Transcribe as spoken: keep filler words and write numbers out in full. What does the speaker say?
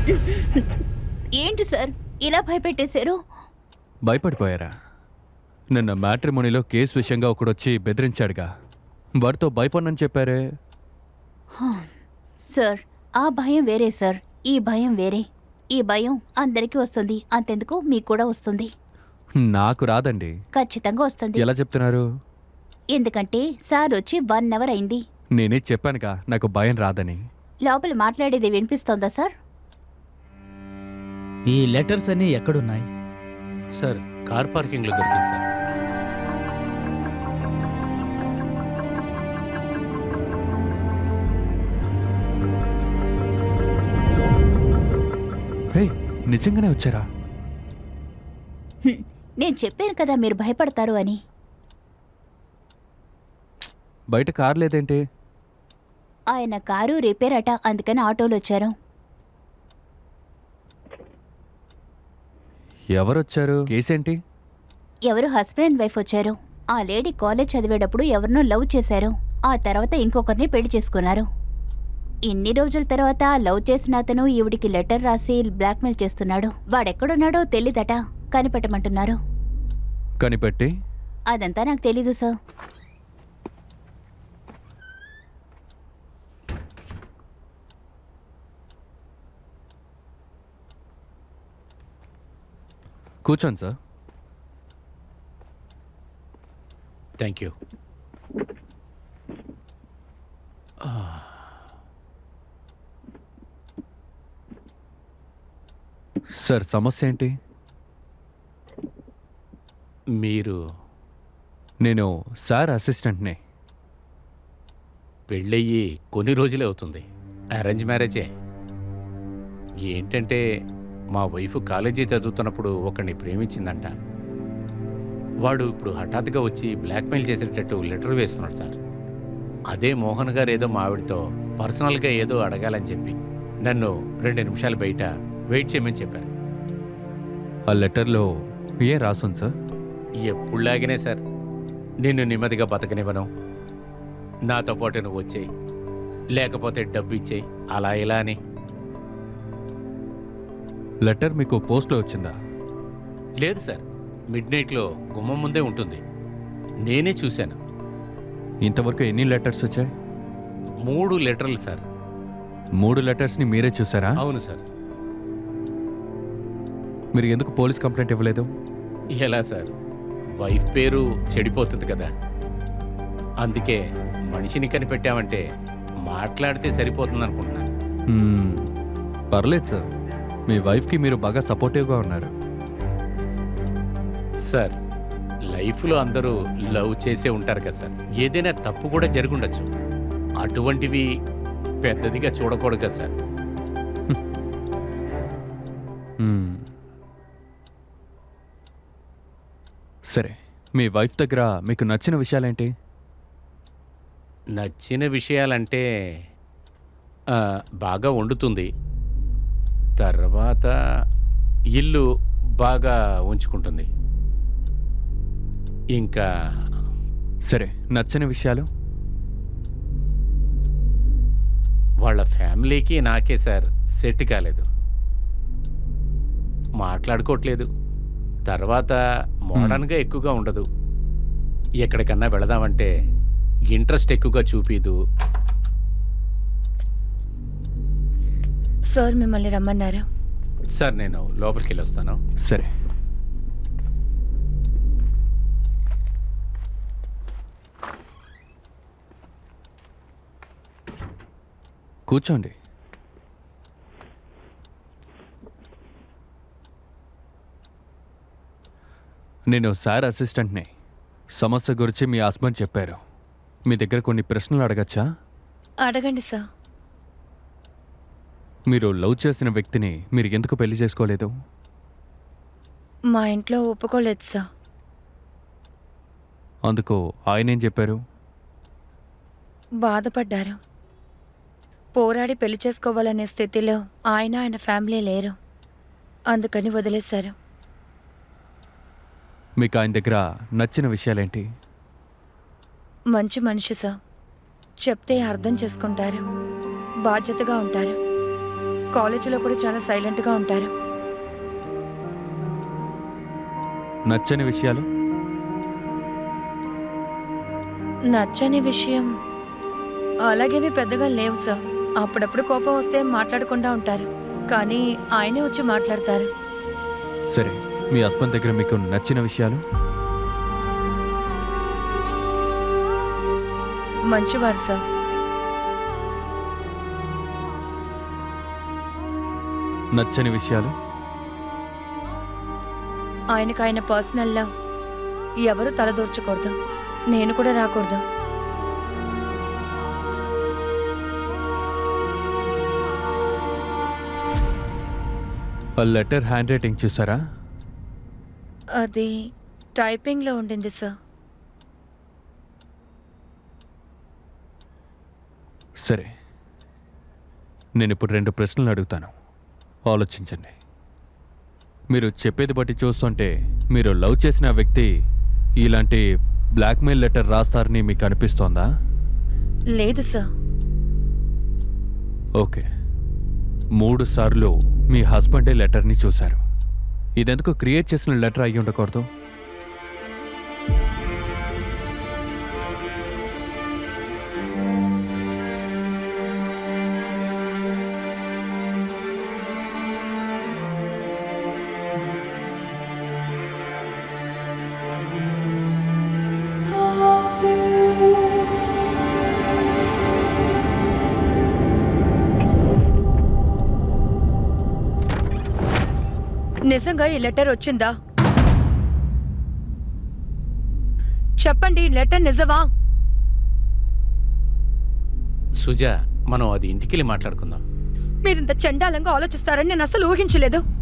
ఏంటి సార్ ఇలా భయపెట్టేశారు? భయపడిపోయారా? నిన్న మ్యాట్రిమోనీలో కేసు విషయంగా ఒకడొచ్చి బెదిరించాడుగా, వాడితో భయపడనని చెప్పారే. సార్ ఆ భయం వేరే సార్, ఈ భయం వేరే. ఈ భయం అందరికీ వస్తుంది, అంతెందుకు మీకు కూడా వస్తుంది. నాకు రాదండి. ఖచ్చితంగా వస్తుంది. ఎలా చెప్తున్నారు? ఎందుకంటే సార్ వచ్చి వన్ అవర్ అయింది. నేనే చెప్పానుగా నాకు భయం రాదని. లోపల మాట్లాడేది వినిపిస్తోందా సార్? ఈ లెటర్స్ అన్నీ ఎక్కడున్నాయి సార్? కార్ పార్కింగ్లో దొరికింది సార్. హే, నిజంగానే వచ్చారా? హ్మ్, నేను చెప్పాను కదా మీరు భయపడతారు అని. బయట కార్ లేదేంటి? ఆయన కారు రిపేర్ అట, అందుకని ఆటోలో వచ్చారు. ఎవరొచ్చారు? కేసేంటి? ఎవరు హస్బెండ్ అండ్ వైఫ్ వచ్చారు. ఆ లేడీ కాలేజ్ చదివేటప్పుడు ఎవరినో లవ్ చేశారు. ఆ తర్వాత ఇంకొకరిని పెళ్లి చేసుకున్నారు. ఇన్ని రోజుల తర్వాత లవ్ చేసిన అతను ఈవిడికి లెటర్ రాసి బ్లాక్మెయిల్ చేస్తున్నాడు. వాడెక్కడున్నాడో తెలీదట, కనిపెట్టమంటున్నారు. కనిపెట్టి? అదంతా నాకు తెలీదు సార్. కూర్చోండి సార్. Thank you. సార్ సమస్య ఏంటి? మీరు? నేను సార్ అసిస్టెంట్ని. పెళ్ళయ్యి కొన్ని రోజులే అవుతుంది. అరేంజ్ మ్యారేజే. ఏంటంటే మా వైఫ్ కాలేజీ చదువుతున్నప్పుడు ఒకరిని ప్రేమించిందంట. వాడు ఇప్పుడు హఠాత్తుగా వచ్చి బ్లాక్మెయిల్ చేసేటట్టు లెటర్ వేస్తున్నాడు సార్. అదే మోహన్ గారు ఏదో మా ఆవిడతో పర్సనల్గా ఏదో అడగాలని చెప్పి నన్ను రెండు నిమిషాలు బయట వెయిట్ చేయమని చెప్పారు. ఆ లెటర్లో ఏం రాసుంది సార్? ఎప్పుడులాగానే సార్, నిన్ను నెమ్మదిగా బతకనివ్వను, నాతో పాటు నువ్వు వచ్చేయి, లేకపోతే డబ్బు ఇచ్చేయి, అలా ఇలా అని. లెటర్ మీకు పోస్ట్లో వచ్చిందా? లేదు సార్, మిడ్ నైట్లో గుమ్మం ముందే ఉంటుంది, నేనే చూశాను. ఇంతవరకు ఎన్ని లెటర్స్ వచ్చాయి? మూడు లెటర్లు సార్. మూడు లెటర్స్ని మీరే చూసారా? అవును సార్. మీరు ఎందుకు పోలీస్ కంప్లైంట్ ఇవ్వలేదు? ఎలా సార్, వైఫ్ పేరు చెడిపోతుంది కదా, అందుకే మనిషిని కనిపెట్టామంటే మాట్లాడితే సరిపోతుంది అనుకుంటున్నాను. మ్మ్, పర్లేదు సార్, మీ వైఫ్కి మీరు బాగా సపోర్టివ్గా ఉన్నారు. సార్, లైఫ్లో అందరూ లవ్ చేసే ఉంటారు కదా సార్, ఏదైనా తప్పు కూడా జరుగుండొచ్చు, అటువంటివి పెద్దదిగా చూడకూడదు కదా సార్. మ్మ్. సరే, మీ వైఫ్ దగ్గర మీకు నచ్చిన విషయాలేంటి? నచ్చిన విషయాలంటే ఆ, బాగా వండుతుంది, తర్వాత ఇల్లు బాగా ఉంచుకుంటుంది, ఇంకా సరే, నచ్చని విషయాలు? వాళ్ళ ఫ్యామిలీకి నాకే సార్ సెట్ కాలేదు, మాట్లాడుకోవట్లేదు, తర్వాత మోడర్న్గా ఎక్కువగా ఉండదు, ఎక్కడికన్నా వెళదామంటే ఇంట్రెస్ట్ ఎక్కువగా చూపిదు. సార్ మిమ్మల్ని రమ్మన్నారు. సార్, నేను లోపలికి వెళ్ళి వస్తాను. సరే. కూర్చోండి. నేను సార్ అసిస్టెంట్ని. సమస్య గురించి మీ హస్బెండ్ చెప్పారు. మీ దగ్గర కొన్ని ప్రశ్నలు అడగచ్చా? అడగండి సార్. మీరు లవ్ చేసిన వ్యక్తిని మీరు ఎందుకు పెళ్లి చేసుకోలేదు? మా ఇంట్లో ఒప్పుకోలేదు సార్. అందుకు ఆయన ఏం చెప్పారు? బాధపడ్డారు. పోరాడి పెళ్లి చేసుకోవాలనే స్థితిలో ఆయన ఆయన ఫ్యామిలీ లేరు, అందుకని వదిలేశారు. మీకు ఆయన దగ్గర నచ్చిన విషయాలేంటి? మంచి మనిషి సార్, చెప్తే అర్థం చేసుకుంటారు, బాధ్యతగా ఉంటారు. కాలేజీలో కూడా చాలా సైలెంట్గా ఉంటారు. నచ్చని విషయాలు? నచ్చని విషయం అలాగేవి పెద్దగా లేవు సార్. అప్పుడప్పుడు కోపం వస్తే మాట్లాడకుండా ఉంటారు, కానీ ఆయనే వచ్చి మాట్లాడతారు. సరే, మీ హస్బెండ్ దగ్గర మీకు నచ్చిన విషయాలు? మంచివారు సార్. నచ్చని విషయాలు? ఆయనకు ఆయన పర్సనల్లా ఎవరు తలదూర్చకూడదు, నేను కూడా రాకూడదు. ఆ లెటర్ హ్యాండ్ రైటింగ్ చూసారా? అది టైపింగ్లో ఉండింది సార్. సరే, నేను ఇప్పుడు రెండు ప్రశ్నలు అడుగుతాను, ఆలోచించండి. మీరు చెప్పేది బట్టి చూస్తుంటే మీరు లవ్ చేసిన వ్యక్తి ఇలాంటి బ్లాక్మెయిల్ లెటర్ రాస్తారని మీకు అనిపిస్తోందా? లేదు సార్. ఓకే, మూడు సార్లు మీ హస్బెండే లెటర్ని చూశారు. ఇదెందుకు క్రియేట్ చేసిన లెటర్ అయ్యి ఉండకూడదు? నిజంగా ఈ లెటర్ వచ్చిందా? చెప్పండి, ఈ లెటర్ నిజమా? సుజా, మనం అది ఇంటికెళ్ళి మాట్లాడుకుందాం. మీరింత చండాలంగా ఆలోచిస్తారని నేను అసలు ఊహించలేదు.